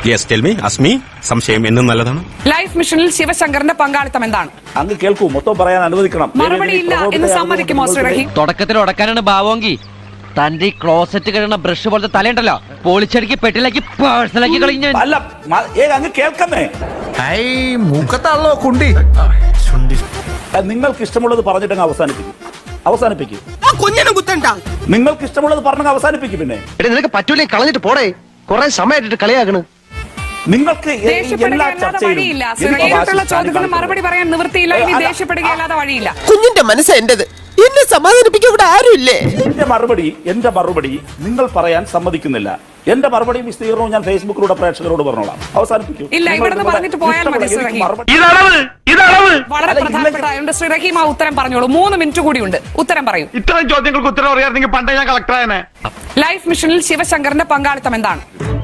Yes tell me Azmi. സംശയം എന്നും നല്ലതാണ്. ലൈഫ് മിഷനിൽ ശിവശങ്കറിന്റെ പങ്കാളിത്തം എന്താണ്? അങ്ങ് കേൾക്കൂ, മൊത്തം പറയാൻ അനുവദിക്കണം. മറുപടിയില്ല എന്ന് സമ്മതിക്കുമോ ശ്രീ റഹീം? തുടക്കത്തിൽ ഉടക്കാനാണ് ഭാവമെങ്കിൽ തന്റെ ഈ ക്ലോസറ്റ് കഴിയുന്ന ബ്രഷ് പോലത്തെ തലയുണ്ടല്ലോ പോളിച്ചടിക്ക് പെട്ടിലാക്കി പേഴ്സണലാക്കി കളിഞ്ഞ അല്ല, അങ്ങ് കേൾക്കുന്നേ. മൂക്കത്താണല്ലോ കുണ്ടി. നിങ്ങൾക്ക് ഇഷ്ടമുള്ളത് പറഞ്ഞിട്ടങ്ങ് അവസാനിപ്പിക്കും. നിങ്ങൾക്ക് ഇഷ്ടമുള്ളത് പറഞ്ഞങ്ങ് അവസാനിപ്പിക്കും. പിന്നെ നിനക്ക് പറ്റൂലേ കളഞ്ഞിട്ട് പോടേ, കുറെ സമയമായിട്ട് കളിയാക്കണ്. നിങ്ങൾക്ക് എല്ലാ വഴിയില്ല. ചോദ്യത്തിന് മറുപടി പറയാൻ നിവൃത്തിയില്ല. ഇനി ദേഷ്യപ്പെടുകയല്ലാതെ വഴിയില്ല. കുഞ്ഞിന്റെ മനസ്സ് എന്റേത്, എന്നെ സമാധാനിപ്പിക്കാൻ ഇവിടെ ആരുമില്ലേ? എന്റെ മറുപടി നിങ്ങൾ പറയാൻ സമ്മതിക്കുന്നില്ല. എന്റെ മറുപടി വിസ്തീർണവും ഞാൻ ഫേസ്ബുക്കിലൂടെ പ്രേക്ഷകരോട് പറഞ്ഞോളാം. അവസാനിപ്പിക്കും. ഇല്ല, ഇവിടെ പറഞ്ഞിട്ട് പോയാൽ മതി ശ്രീ റഹീം. വളരെ പ്രധാനപ്പെട്ട ശ്രീ റഹീം ആ ഉത്തരം പറഞ്ഞോളൂ. 3 മിനിറ്റ് കൂടിയുണ്ട്. ഉത്തരം പറയൂ. ഇത്തരം ചോദ്യങ്ങൾക്ക് ഉത്തരം അറിയാമെങ്കിൽ പണ്ടേ ഞാൻ കളക്ടറായനെ. ലൈഫ് മിഷനിൽ ശിവശങ്കറിന്റെ പങ്കാളിത്തം എന്താണ്?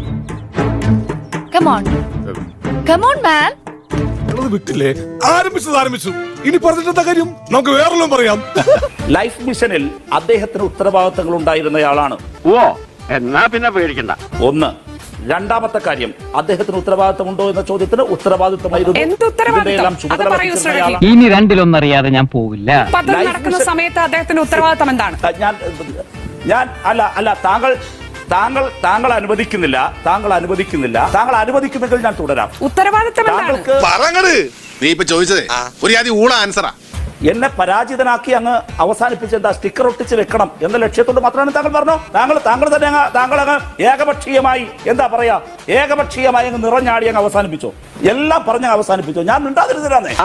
Come on, man. വിട്ടില്ലേ? ആരംഭിച്ചു. ഇനി പറഞ്ഞിട്ടെന്താ കാര്യം? നമുക്ക് വേറെല്ലാം പറയാം. ലൈഫ് മിഷനിൽ അദ്ദേഹത്തിന് ഉത്തരവാദിത്തങ്ങൾ ഉണ്ടായിരുന്നയാളാണ്. ഓ, എന്നാ പിന്നെ പേടിക്കണ്ട. ഒന്ന്. രണ്ടാമത്തെ കാര്യം, അദ്ദേഹത്തിന് ഉത്തരവാദിത്തമുണ്ടോ എന്ന ചോദ്യത്തിന് ഉത്തരവാദിത്തമായിരുന്നു. എന്ത് ഉത്തരവാദിത്തം? അത് പറയൂ ശ്രീ റഹീം. ഇനി രണ്ടിലൊന്നറിയാതെ ഞാൻ പോവില്ല. പദ്ധതി നടക്കുന്ന സമയത്ത് അദ്ദേഹത്തിന്റെ ഉത്തരവാദിത്തം എന്താണ്? ഞാൻ അല്ല താങ്കൾ അനുവദിക്കുന്നില്ല. താങ്കൾ അനുവദിക്കുന്നെങ്കിൽ ഞാൻ തുടരാം. ഉത്തരവാദിത്തം എന്താണ്? നീ ഇപ്പൊ ചോദിച്ചത് ഒരു ആദ്യം ഊള ആൻസറാ. എന്നെ പരാജിതനാക്കി അങ്ങ് അവസാനിപ്പിച്ച് എന്താ സ്റ്റിക്കർ ഒട്ടിച്ച് വെക്കണം എന്ന ലക്ഷ്യത്തോട് മാത്രമാണ് താങ്കൾ പറഞ്ഞു. താങ്കൾ അങ്ങ് ഏകപക്ഷീയമായി എന്താ പറയാ, ഏകപക്ഷീയമായി അങ്ങ് നിറഞ്ഞാടി അങ്ങ് അവസാനിപ്പിച്ചോ. എല്ലാം പറഞ്ഞ് അവസാനിപ്പിച്ചോ. ഞാൻ മിണ്ടാതിരുന്നില്ലാന്നേ.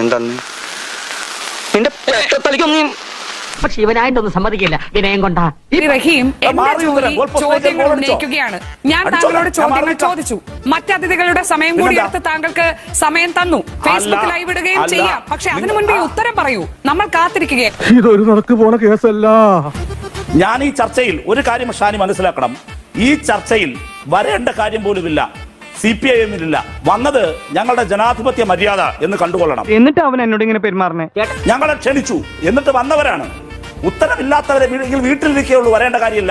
പക്ഷെ ഇവനായിട്ടൊന്നും സമ്മതിക്കില്ല വിനയം കൊണ്ടാ. റഹീം, എന്റെ ജോലി ചോദ്യങ്ങൾ ഉന്നയിക്കുകയാണ്. ഞാൻ താങ്കളോട് ചോദ്യങ്ങൾ ചോദിച്ചു. മറ്റതിഥികളുടെ സമയം കൂടി എടുത്ത് താങ്കൾക്ക് സമയം തന്നു. ഫേസ്ബുക്ക് ലൈവ് ഇടുകയും ചെയ്യാം. പക്ഷെ അതിനു മുൻപ് ഉത്തരം പറയൂ. നമ്മൾ കാത്തിരിക്കുകയാണ്. ഇതൊരു നടക്ക് പോണ കേസല്ല. ഞാൻ ഈ ചർച്ചയിൽ ഒരു കാര്യം ഷാനി മനസ്സിലാക്കണം. ഈ ചർച്ചയിൽ വരേണ്ട കാര്യം പോലുമില്ല. CPIM-നില്ല. വന്നത് ഞങ്ങളുടെ ജനാധിപത്യ മര്യാദ എന്ന് കണ്ടുകൊള്ളണം. എന്നിട്ട് അവൻ എന്നോട് ഇങ്ങനെ പെരുമാറണേ. ഞങ്ങളെ ക്ഷണിച്ചു, എന്നിട്ട് വന്നവരാണ്. ഉത്തരവില്ലാത്തവരെ വീട്ടിലിരിക്കുകയുള്ളൂ, വരേണ്ട കാര്യമില്ല.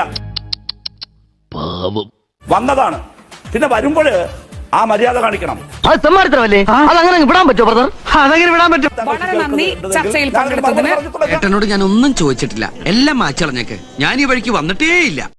വന്നതാണ്. പിന്നെ വരുമ്പോൾ ആ മര്യാദ കാണിക്കണം. അത് സമ്മാനത്തിനല്ലേ? അതങ്ങനെ വിടാൻ പറ്റുമോ ബ്രദർ? അതങ്ങനെ വിടാൻ പറ്റും. വളരെ നന്ദി ചർച്ചയിൽ പങ്കെടുത്തതിന്. ഏട്ടനോട് ഞാൻ ഒന്നും ചോദിച്ചിട്ടില്ല, എല്ലാം മാച്ചളഞ്ഞേക്ക്. ഞാൻ ഈ വഴിക്ക് വന്നിട്ടേ ഇല്ല.